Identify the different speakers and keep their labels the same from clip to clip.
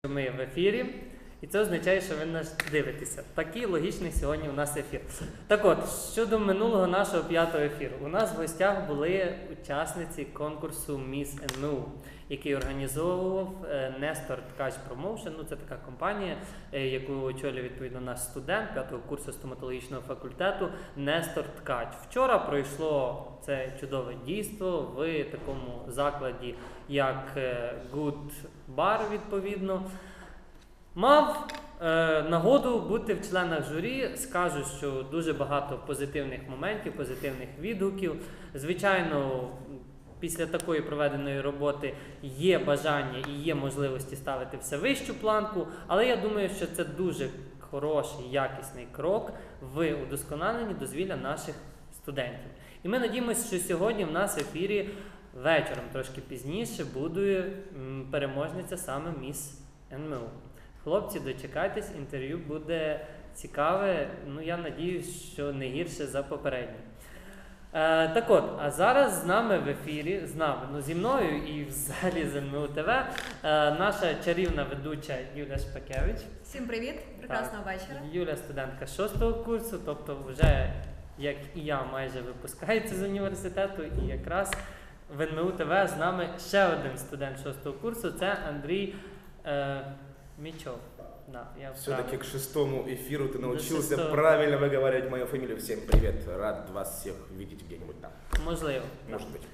Speaker 1: Ми в ефірі, і це означає, що ви нас дивитеся. Такий логічний сьогодні у нас ефір. Так от, щодо минулого нашого 5-го ефіру. У нас в гостях були учасниці конкурсу Miss НМУ, який організовував Нестор Ткач Промоушен. Ну, це така компанія, яку очолює відповідно наш студент 5-го курсу стоматологічного факультету Нестор Ткач. Вчора пройшло це чудове дійство в такому закладі, як Good Bar, відповідно. Мав нагоду бути в членах журі. Скажу, що дуже багато позитивних моментів, позитивних відгуків. Звичайно, після такої проведеної роботи є бажання і є можливості ставити все вищу планку, але я думаю, що це дуже хороший, якісний крок в удосконаленні дозвілля наших студентів. І ми надіємося, що сьогодні в нас в ефірі вечором, трошки пізніше, буде переможниця саме Міс НМУ. Хлопці, дочекайтесь, інтерв'ю буде цікаве, ну я надіюсь, що не гірше за попереднє. Так от, а зараз з нами в ефірі, зі мною і взагалі з НМУ ТВ, наша чарівна ведуча Юля Шпакевич.
Speaker 2: Всім привіт, прекрасного вечора.
Speaker 1: Юля студентка 6-го курсу, тобто вже, як і я, майже випускається з університету, і якраз в НМУ ТВ з нами ще один студент 6-го курсу, це Андрій Мічов. Да,
Speaker 3: все-таки к 6-му эфиру ты научился правильно выговаривать мою фамилию. Всем привет, рад вас всех видеть где-нибудь там.
Speaker 1: Можливо.
Speaker 3: Может быть.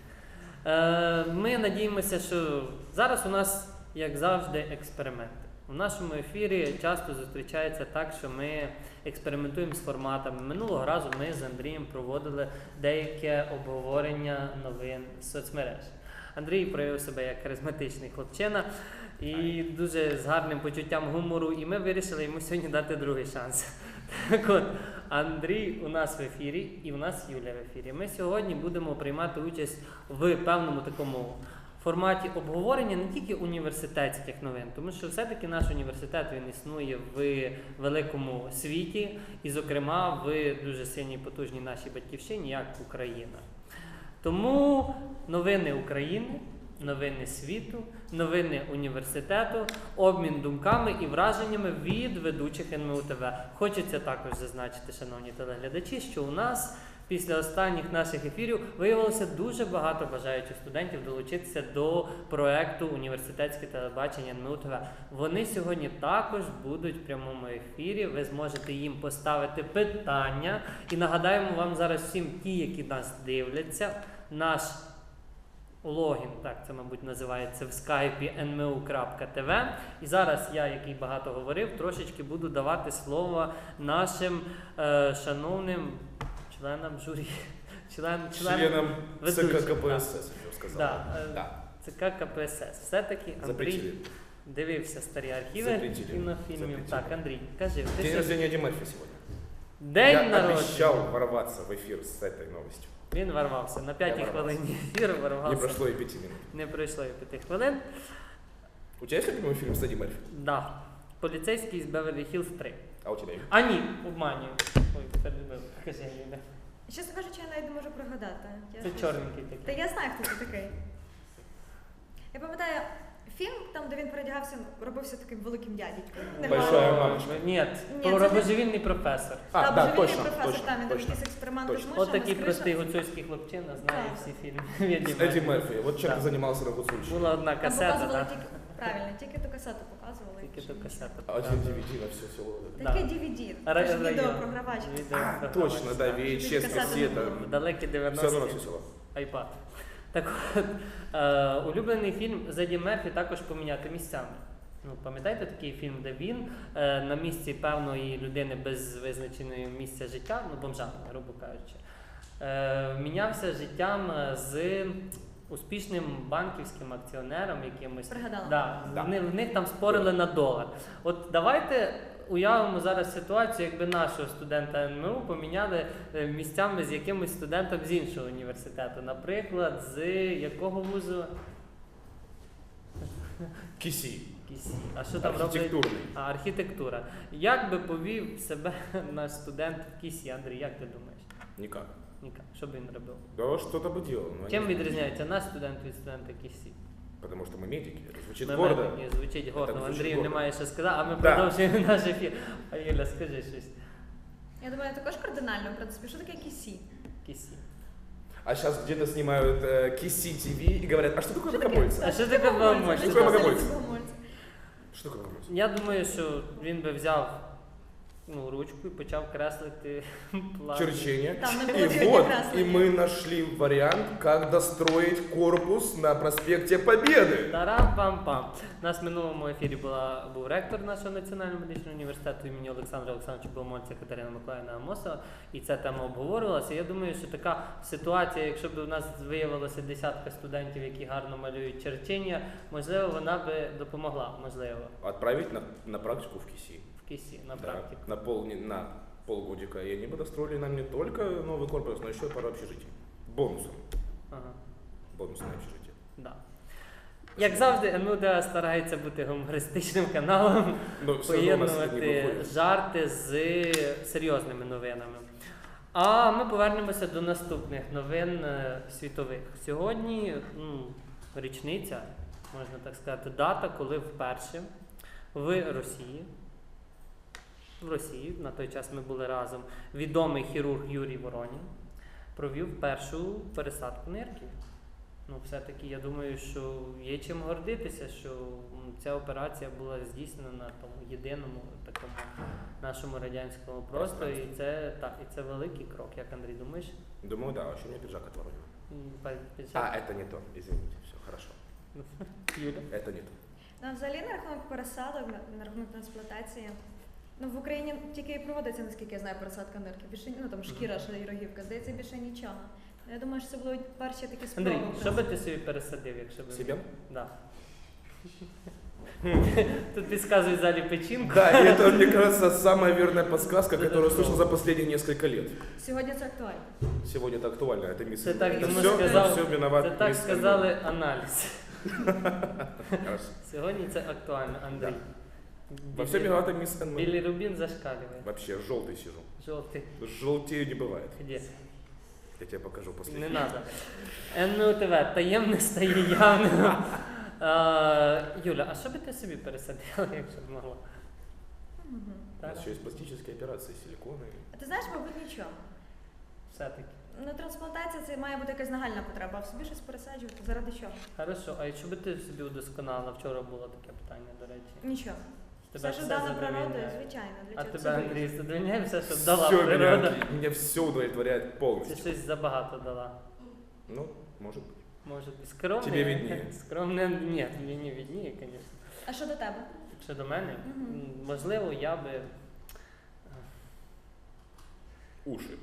Speaker 1: Ми надіємося, що зараз у нас, як завжди, експерименти. У нашому ефірі часто зустрічається так, що ми експериментуємо з форматами. Минулого разу ми з Андрієм проводили деяке обговорення новин з соцмереж. Андрій проявив себе як харизматичний хлопчина і дуже з гарним почуттям гумору, і ми вирішили йому сьогодні дати другий шанс. Так от, Андрій у нас в ефірі, і у нас Юля в ефірі. Ми сьогодні будемо приймати участь в певному такому форматі обговорення не тільки університетських новин, тому що все-таки наш університет, він існує в великому світі, і, зокрема, в дуже сильній потужній нашій батьківщині, як Україна. Тому новини України, новини світу, новини університету, обмін думками і враженнями від ведучих НМУ ТВ. Хочеться також зазначити, шановні телеглядачі, що у нас після останніх наших ефірів виявилося дуже багато бажаючих студентів долучитися до проєкту «Університетське телебачення НМУ ТВ». Вони сьогодні також будуть в прямому ефірі, ви зможете їм поставити питання. І нагадаємо вам зараз всім ті, які нас дивляться, наш логін, так це, мабуть, називається в скайпі nmu.tv. І зараз я, який багато говорив, трошечки буду давати слово нашим шановним членам журі. Членам
Speaker 3: ЦК КПСС, я сказав.
Speaker 1: Да. ЦК КПСС. Все-таки Андрій дивився старі архіви кінофільмів. Так, Андрій, кажи.
Speaker 3: День рождения Эдди Мерфи сегодня.
Speaker 1: День народження.
Speaker 3: Я обещал ворваться в эфир с этой новостью.
Speaker 1: Він ворвався. На 5-й хвилині ефіру ворвався.
Speaker 3: Не пройшло и 5 минут.
Speaker 1: Не пройшло і 5 хвилин.
Speaker 3: У тебя есть любимый фильм с Эдди Мерфи?
Speaker 1: Да. Поліцейський з Беверлі-Хіллз 3.
Speaker 3: А у тебя?
Speaker 1: А ні, обманюю. Ой, перебив. Кажи, Юля.
Speaker 2: Чесно кажучи, я навіть не можу пригадати.
Speaker 1: Це чорненький такий.
Speaker 2: Та я знаю, хто це такий. Я пам'ятаю фільм, там, де він передягався, робився таким великим дядькою.
Speaker 3: Большая мамочка.
Speaker 1: Ні, про божевільний професор.
Speaker 3: Да, точно,
Speaker 2: професор,
Speaker 3: точно,
Speaker 2: там, він
Speaker 3: точно.
Speaker 2: якісь експерименти з
Speaker 3: Точно.
Speaker 2: мишами,
Speaker 1: От такий
Speaker 2: з кришами.
Speaker 1: простий гуцульський хлопчина знає
Speaker 2: Так.
Speaker 1: всі фільми.
Speaker 3: С Эдди Мерфи. Вот чем
Speaker 1: Да.
Speaker 3: ты занимался на Гуцульщине.
Speaker 1: Була одна
Speaker 2: Там
Speaker 1: касета,
Speaker 2: показували
Speaker 1: так.
Speaker 2: правильно, тільки ту касету показували.
Speaker 1: Тільки ту касету.
Speaker 3: Один DVD на все село.
Speaker 2: Таке
Speaker 1: Да.
Speaker 2: DVD,
Speaker 1: Ра-
Speaker 2: це ж
Speaker 1: ра-
Speaker 2: відеопрогравач.
Speaker 3: А, точно, да, VHS,
Speaker 2: Кассета.
Speaker 3: кассета.
Speaker 1: Далекі
Speaker 3: Все равно на все
Speaker 1: 90-ті.
Speaker 3: село.
Speaker 1: Айпад. Так от, улюблений фільм з Еді Мерфі також поміняти місцями. Ну, пам'ятаєте такий фільм, де він на місці певної людини без визначеної місця життя, ну бомжа, грубо кажучи, мінявся життям з успішним банківським акціонером якимось.
Speaker 2: Пригадала.
Speaker 1: Да,
Speaker 3: Да.
Speaker 1: в них там спорили на долар. От давайте уявимо зараз ситуацію, якби нашого студента НМУ поміняли місцями з якимось студентом з іншого університету. Наприклад, з якого вузу?
Speaker 3: Киси.
Speaker 1: Кісі. А що там роблять?
Speaker 3: Архітектурний.
Speaker 1: Архітектура. Як би повів себе наш студент в Кісі, Андрій, як ти думаєш?
Speaker 3: Никак.
Speaker 1: Ніка, що б він робив?
Speaker 3: Да что-то бы делал. но
Speaker 1: Чим
Speaker 3: не знаю.
Speaker 1: відрізняється наш студент від студента Кісі?
Speaker 3: Потому что мы медики. Это звучит
Speaker 1: Ми
Speaker 3: гордо.
Speaker 1: медики, звучить гордо.
Speaker 3: звучить
Speaker 1: Андрію
Speaker 3: гордо.
Speaker 1: немає що сказати, а ми
Speaker 3: Да.
Speaker 1: продовжуємо наш ефір. А Юля, скажи щось.
Speaker 2: Я думаю, також кардинально, в принципі, що таке кісі?
Speaker 1: Кісі.
Speaker 3: А сейчас где-то снимают Киси ТВ и говорят, а что такое богомольцы?
Speaker 1: А що таке богомольці?
Speaker 3: Що таке богомольці?
Speaker 2: богомольці?
Speaker 3: Что такое богомольцы?
Speaker 1: Я думаю, що він би взяв ручку і почав креслити план.
Speaker 3: Черчение.
Speaker 2: Там не
Speaker 3: И
Speaker 2: было чего
Speaker 3: вот,
Speaker 2: красного.
Speaker 3: и мы нашли вариант, как достроить корпус на проспекте Победы.
Speaker 1: Тарам-пам-пам. У нас в минулому ефірі був ректор нашого національного медичного університету імені Олександра Олександровича Богомольця Катерина Миколаївна Амосова, і ця тема обговорювалася. Я думаю, що така ситуація, якщо б у нас виявилося десятка студентів, які гарно малюють черчення, можливо, вона би допомогла, можливо,
Speaker 3: Отправить на практику в Киси.
Speaker 1: в кісі, на
Speaker 3: Да,
Speaker 1: практику.
Speaker 3: на полгодика. И они бы достроили нам не только новый корпус, но еще и пару общежитий. Бонусом.
Speaker 1: Ага.
Speaker 3: Бонусное общежитие.
Speaker 1: Да. Як завжди, НУДА старається бути гумористичним каналом,
Speaker 3: Но все равно у нас это не
Speaker 1: поєднувати
Speaker 3: выходит.
Speaker 1: жарти з серйозними новинами. А ми повернемося до наступних новин світових. Сьогодні річниця, можна так сказати, дата, коли вперше в Росії, на той час ми були разом, відомий хірург Юрій Воронін провів першу пересадку нирки. Все-таки я думаю, що є чим гордитися, що ця операція була здійснена на тому єдиному такому нашому радянському просторі. І це великий крок, як Андрій, думаєш?
Speaker 3: Думаю, да, вообще у меня пиджак отворот.
Speaker 1: Пиджак?
Speaker 3: А, это не то, извините, все, хорошо.
Speaker 1: Юля?
Speaker 3: Это не то.
Speaker 2: Ну, взагалі, на рахунок пересадок, на рахунок трансплантації, в Україні тільки і проводиться, наскільки я знаю, пересадка нирки. Більше, там шкіра, ще й рогівка, здається, більше нічого. Я думаю, що це будуть перші такі спроби.
Speaker 1: Андрій, що би
Speaker 2: просто.
Speaker 1: ти собі пересадив, якщо б...
Speaker 3: Себе?
Speaker 1: Да. Тут підказують в залі печінку.
Speaker 3: Да, и это, мне кажется, самая верная подсказка, которую я слышал за последние несколько лет.
Speaker 2: Сьогодні це актуально.
Speaker 3: Сегодня это актуально, это мисс.
Speaker 1: Це так
Speaker 2: Це
Speaker 1: йому
Speaker 2: все-
Speaker 1: сказав,
Speaker 3: все виноват
Speaker 1: це так
Speaker 3: мисс
Speaker 1: сказали аналіз.
Speaker 3: Хорошо.
Speaker 1: Сьогодні це актуально, Андрій.
Speaker 3: Во всем виновата мисс НМ.
Speaker 1: Білий рубін зашкалює.
Speaker 3: Вообще, желтый сижу.
Speaker 1: Жовтий.
Speaker 3: Желтее не бывает.
Speaker 1: Де?
Speaker 3: Я тебе покажу после.
Speaker 1: Не треба. НУТВ, таємне стає явним. Юля, а що би ти собі пересадила, якщо б могла?
Speaker 2: Мгм.
Speaker 3: У
Speaker 1: Так?
Speaker 3: нас еще есть пластические операции, силиконы.
Speaker 2: А ти знаєш, мабуть, нічого.
Speaker 1: Все-таки.
Speaker 2: Ну, трансплантація це має бути якась нагальна потреба, а в собі щось пересаджувати. Заради чого?
Speaker 1: Хорошо, а якщо би ти собі удосконалила, вчора було таке питання, до речі.
Speaker 2: Нічого.
Speaker 1: Тебе
Speaker 2: Все, що дана природою,
Speaker 1: задовольняє?
Speaker 2: звичайно. Для
Speaker 1: А
Speaker 2: чого
Speaker 1: тебе,
Speaker 2: це
Speaker 1: Андрій,
Speaker 2: робити?
Speaker 1: задовольняє все, що дала
Speaker 3: Все
Speaker 1: природа?
Speaker 3: меня все удовлетворяет
Speaker 1: Чи
Speaker 3: полностью.
Speaker 1: щось забагато дала?
Speaker 3: Ну, может быть.
Speaker 1: Може, скромне?
Speaker 3: Тебе видніє.
Speaker 1: Скромне, ні, мені не видніє, звісно.
Speaker 2: А що до тебе?
Speaker 1: Що до мене?
Speaker 2: Мгм.
Speaker 1: Можливо, я би...
Speaker 3: Уши.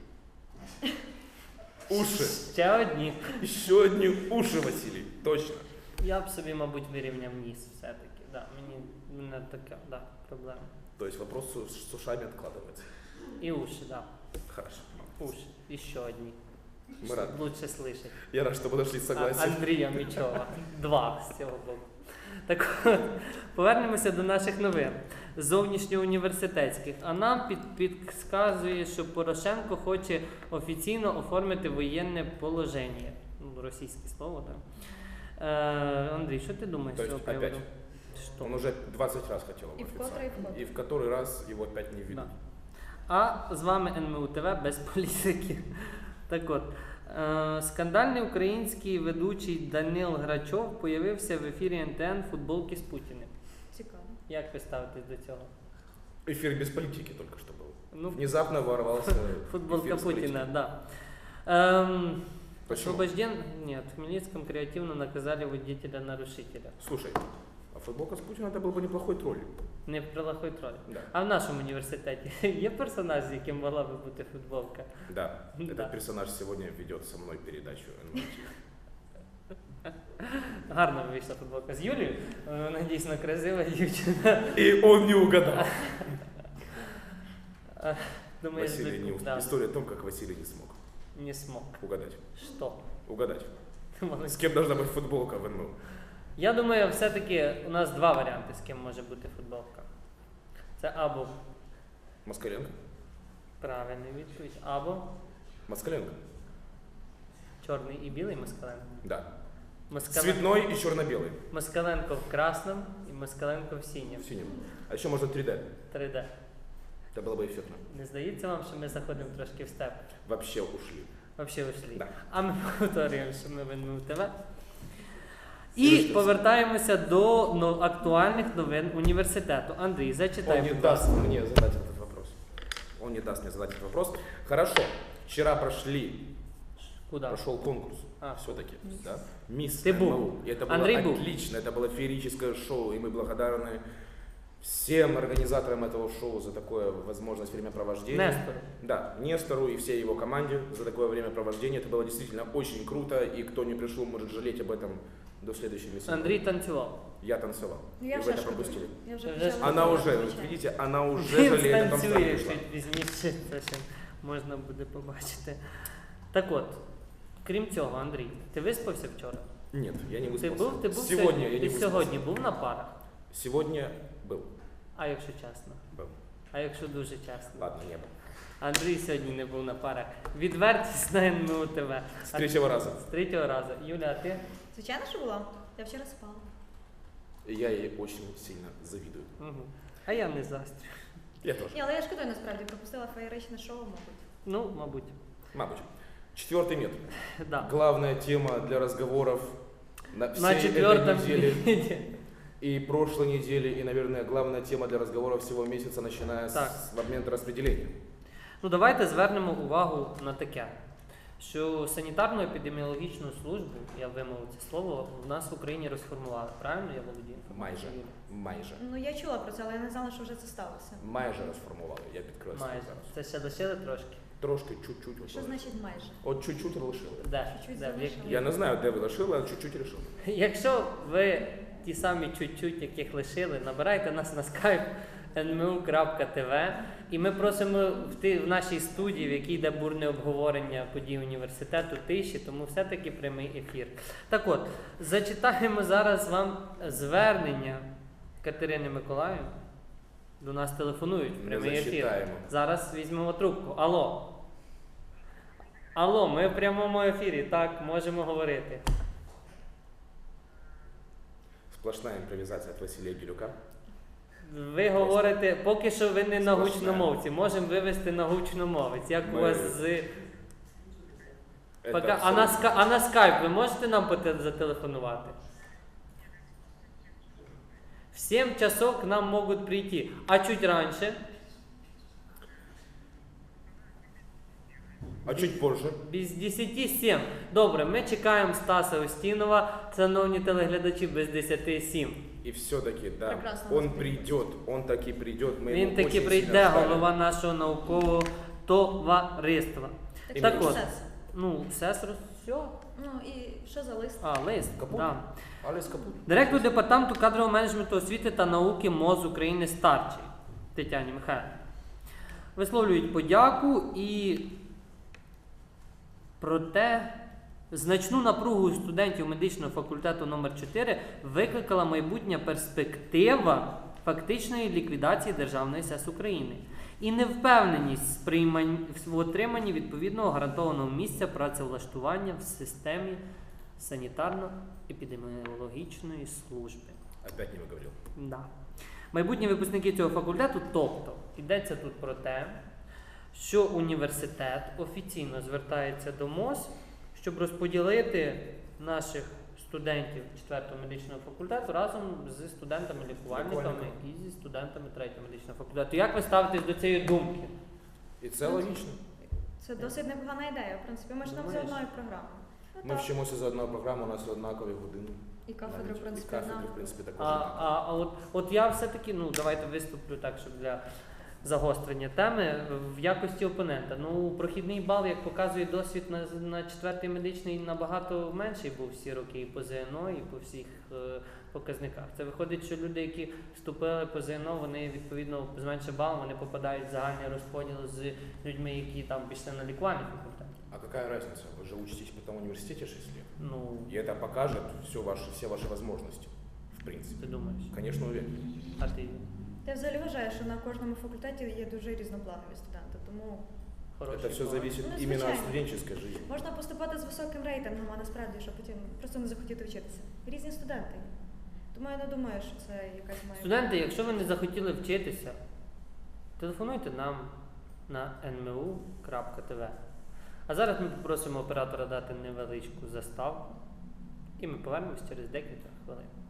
Speaker 3: Уши.
Speaker 1: Ще одні.
Speaker 3: Еще одни уши, Василий. Точно.
Speaker 1: Я б собі, мабуть, вирівняв ніс все-таки. Да, мене така, да, проблема.
Speaker 3: То есть вопрос с ушами откладывается.
Speaker 1: І уші, да.
Speaker 3: Хорошо.
Speaker 1: Уші. І ще одні.
Speaker 3: Мы рады.
Speaker 1: Лучше слышать.
Speaker 3: Я рад, что мы нашли согласие.
Speaker 1: Андрія Мічова. Два з цього боку. Так от, повернемося до наших новин. Зовнішньоуніверситетських. А нам підказує, що Порошенко хоче офіційно оформити воєнне положення. Російське слово, так. Андрій, що ти думаєш
Speaker 3: То
Speaker 1: з цього
Speaker 3: есть
Speaker 1: приводу?
Speaker 3: опять?
Speaker 1: Що?
Speaker 3: Он уже 20 раз хотел его
Speaker 2: И вкотре,
Speaker 3: официально.
Speaker 2: и вкотре.
Speaker 3: И в который раз его опять не видно.
Speaker 1: Да. А з вами НМУ ТВ без політики. Так от, скандальний український ведучий Данил Грачов появився в ефірі НТН футболки з Путіним.
Speaker 2: Цікаво.
Speaker 1: Як ви ставитесь до цього?
Speaker 3: Эфир без политики только что был.
Speaker 1: Ну,
Speaker 3: Внезапно ворвался
Speaker 1: футболка
Speaker 3: эфир с
Speaker 1: Путина,
Speaker 3: политикой.
Speaker 1: да.
Speaker 3: Почему?
Speaker 1: Освобожден... Нет, в Хмельницком креативно наказали водителя-нарушителя.
Speaker 3: Слушай, а футболка с Путиным это был бы неплохой тролль.
Speaker 1: Не прилахой троль.
Speaker 3: Да.
Speaker 1: А в нашому університеті є персонаж, з яким могла би бути футболка?
Speaker 3: Да.
Speaker 1: Да.
Speaker 3: Этот персонаж сегодня ведет со мной передачу НМТ.
Speaker 1: Гарно вийшла футболка з Юлією. Вона дійсно красива дівчина.
Speaker 3: И он не угадал.
Speaker 1: Думаєш,
Speaker 3: Василий не
Speaker 1: да,
Speaker 3: История о том, как Василий не смог
Speaker 1: не смог.
Speaker 3: угадать.
Speaker 1: Що?
Speaker 3: Угадать.
Speaker 1: Ти молодець.
Speaker 3: С кем должна быть футболка в НМУ?
Speaker 1: Я думаю, все-таки у нас два варіанти, з ким може бути футболка. Це або
Speaker 3: Москаленко?
Speaker 1: правильний відповідь, або
Speaker 3: Москаленко?
Speaker 1: чорний і білий Москаленко.
Speaker 3: Да. Цветной и черно-белый.
Speaker 1: Москаленко в красному і Москаленко в синьому.
Speaker 3: В синем. А еще можно 3D.
Speaker 1: 3D.
Speaker 3: Это было бы эффектно.
Speaker 1: Не здається вам, що ми заходимо трошки в степ?
Speaker 3: Вообще ушли.
Speaker 1: Вообще ушли.
Speaker 3: Да.
Speaker 1: А ми повторюємо, що ми в НМУ ТВ. І
Speaker 3: Слушайте.
Speaker 1: повертаємося до актуальних новин університету. Андрій,
Speaker 3: Он
Speaker 1: зачитай,
Speaker 3: не
Speaker 1: будь
Speaker 3: даст
Speaker 1: ласка.
Speaker 3: мне задать этот вопрос. Он не даст мне задать этот вопрос. Хорошо. Вчера
Speaker 1: Куди?
Speaker 3: прошел конкурс.
Speaker 1: А.
Speaker 3: Все-таки, да? Мисс
Speaker 1: Ты был.
Speaker 3: ММУ. И это было
Speaker 1: Андрей был.
Speaker 3: отлично. Это было феерическое шоу. И мы благодарны всем организаторам этого шоу за такое возможность времяпровождения.
Speaker 1: Нестору.
Speaker 3: Да, Нестору и всей его команде за такое времяпровождение. Это было действительно очень круто. И кто не пришел, может жалеть об этом до следующей миссии.
Speaker 1: Андрій танцював.
Speaker 3: Я танцевал.
Speaker 2: Ну,
Speaker 3: И
Speaker 2: я
Speaker 3: вы
Speaker 2: вже
Speaker 3: это
Speaker 2: шкодую.
Speaker 3: пропустили.
Speaker 2: Я вже
Speaker 1: Вже
Speaker 2: почала
Speaker 1: шкодую.
Speaker 3: Она уже,
Speaker 2: вивчати.
Speaker 3: вот видите, она уже
Speaker 1: Він
Speaker 3: жалеет о том, что не
Speaker 1: станцює
Speaker 3: пришла.
Speaker 1: чуть пізніше, це ще можна буде побачити. Так от, крім цього, Андрій, ти виспався вчора?
Speaker 3: Нет, я не
Speaker 1: Ти
Speaker 3: выспался.
Speaker 1: був
Speaker 3: Сегодня я не
Speaker 1: ти
Speaker 3: выспался.
Speaker 1: сьогодні був на парах?
Speaker 3: Сегодня был.
Speaker 1: А якщо чесно?
Speaker 3: Был.
Speaker 1: А якщо дуже чесно?
Speaker 3: Ладно, не был.
Speaker 1: Андрій сьогодні не був на парах. Відвертість на НМУ ТВ.
Speaker 3: С третьего раза.
Speaker 1: З третього разу. Юля, а ти?
Speaker 2: Звичайно, що була. Я вчора спала.
Speaker 3: Я ей очень сильно завидую.
Speaker 1: Угу. А я не застрю.
Speaker 3: Я тоже.
Speaker 2: Ні, але я шкодую насправді, пропустила феєричне шоу, мабуть.
Speaker 1: Ну, мабуть.
Speaker 3: Мабуть. Четвертый метод.
Speaker 1: Да.
Speaker 3: Главная тема для разговоров на всей
Speaker 1: На
Speaker 3: этой
Speaker 1: четвертом
Speaker 3: неделе
Speaker 1: відео.
Speaker 3: и прошлой недели, и, наверное, главная тема для разговора всего месяца, начиная
Speaker 1: Так.
Speaker 3: с момента распределения.
Speaker 1: Ну, давайте звернемо увагу на таке, що санітарно-епідеміологічну службу, я вимовив це слово, в нас в Україні розформували. Правильно я володію?
Speaker 3: Майже. Майже.
Speaker 2: Ну, я чула про це, але я не знала, що вже це сталося.
Speaker 3: Майже розформували. Я підкреслюю
Speaker 1: Майже.
Speaker 3: зараз.
Speaker 1: Це ще лишили трошки?
Speaker 3: Трошки, чуть-чуть. от
Speaker 2: Що
Speaker 3: лишили.
Speaker 2: значить майже?
Speaker 3: От чуть-чуть лишили.
Speaker 1: Де?
Speaker 2: Чуть-чуть
Speaker 1: Де? В
Speaker 2: залишили.
Speaker 1: якій?
Speaker 3: Я не знаю, де ви лишили, але чуть-чуть лишили.
Speaker 1: Якщо ви ті самі чуть-чуть, яких лишили, набирайте нас на skype nmu.tv і ми просимо в нашій студії, в якій йде бурне обговорення подій університету, тиші, тому все-таки прямий ефір. Так от, зачитаємо зараз вам звернення Катерини Миколаївни. До нас телефонують в
Speaker 3: Ми
Speaker 1: прямий ефір.
Speaker 3: зачитаємо.
Speaker 1: Зараз візьмемо трубку. Алло. Алло, ми в прямому ефірі, так, можемо говорити.
Speaker 3: Сплошна імпровізація від Василія Гілюка.
Speaker 1: Ви говорите, поки що ви не на
Speaker 3: Сплошна.
Speaker 1: гучномовці, можемо вивести на гучномовець. Як у
Speaker 3: Ми-
Speaker 1: вас з.
Speaker 3: Это
Speaker 1: Пока...
Speaker 3: все-
Speaker 1: А на скайп ви можете нам зателефонувати? В 7 часов к нам можуть прийти. А чуть раніше,
Speaker 3: А чуть позже.
Speaker 1: без 10-7. Добре, ми чекаємо Стаса Устінова, шановні телеглядачі, без 10-7.
Speaker 3: И все-таки, да,
Speaker 2: Прекрасно
Speaker 3: он
Speaker 2: вас
Speaker 3: придет, он таки придет. Мы
Speaker 1: Він
Speaker 3: его
Speaker 1: таки
Speaker 3: очень
Speaker 1: прийде,
Speaker 3: сильно ждали.
Speaker 1: голова нашого наукового товариства.
Speaker 2: Так,
Speaker 1: Так
Speaker 2: що
Speaker 1: от.
Speaker 2: це?
Speaker 1: Ну, сестру, все.
Speaker 2: Ну і що за лист?
Speaker 1: А, лист.
Speaker 3: Капут?
Speaker 1: Да.
Speaker 3: Алис Капут.
Speaker 1: Директор департаменту кадрового менеджменту освіти та науки МОЗ України Старчий Тетяні Михайлівні. Висловлюють подяку і проте значну напругу у студентів медичного факультету номер 4 викликала майбутня перспектива фактичної ліквідації Державної СЕС України і невпевненість в отриманні відповідного гарантованого місця працевлаштування в системі санітарно-епідеміологічної служби.
Speaker 3: Опять не выговорил.
Speaker 1: Да. Майбутні випускники цього факультету, тобто, йдеться тут про те, що університет офіційно звертається до МОЗ, щоб розподілити наших студентів 4-го медичного факультету разом зі студентами-лікувальниками і зі студентами 3-го медичного факультету. Як ви ставитесь до цієї думки?
Speaker 3: И це логично.
Speaker 2: Це досить непогана ідея. В принципі, ми ж там за
Speaker 1: Думаєш?
Speaker 2: одною програмою. Ну,
Speaker 3: Ми
Speaker 2: так.
Speaker 3: вчимося за одною програмою, у нас однакові години.
Speaker 2: І кафедри, в
Speaker 3: Навіть.
Speaker 2: принципі,
Speaker 3: І кафедри,
Speaker 2: однакові.
Speaker 3: в принципі, також
Speaker 1: А,
Speaker 3: однакові.
Speaker 1: от я все-таки, ну давайте виступлю так, щоб для загострення теми в якості опонента. Ну, прохідний бал, як показує досвід на 4-й медичний, набагато менший був всі роки і по ЗНО, і по всіх показниках. Це виходить, що люди, які вступили по ЗНО, вони відповідно з меншим балом, вони попадають в загальний розподіл з людьми, які там пішли на лікувальний факультет.
Speaker 3: А какая разница? Вы же учитесь в том университете 6 лет.
Speaker 1: Ну,
Speaker 3: И это покажет все ваши возможности, в принципе.
Speaker 1: ти думаєш?
Speaker 3: Конечно, уверен.
Speaker 1: А ти?
Speaker 2: Я взагалі вважаю, що на кожному факультеті є дуже різнопланові студенти, тому
Speaker 1: хороші
Speaker 3: Это все
Speaker 1: бали.
Speaker 3: зависит
Speaker 2: Ну,
Speaker 3: именно от
Speaker 2: случайно.
Speaker 3: студенческой жизни.
Speaker 2: Можна поступати з високим рейтингом, а насправді, що потім просто не захотіти вчитися. Різні студенти. Тому я не думаю, що це якась має.
Speaker 1: Студенти, якщо ви не захотіли вчитися, телефонуйте нам на nmu.tv. А зараз ми попросимо оператора дати невеличку заставку, і ми повернемось через декілька хвилин.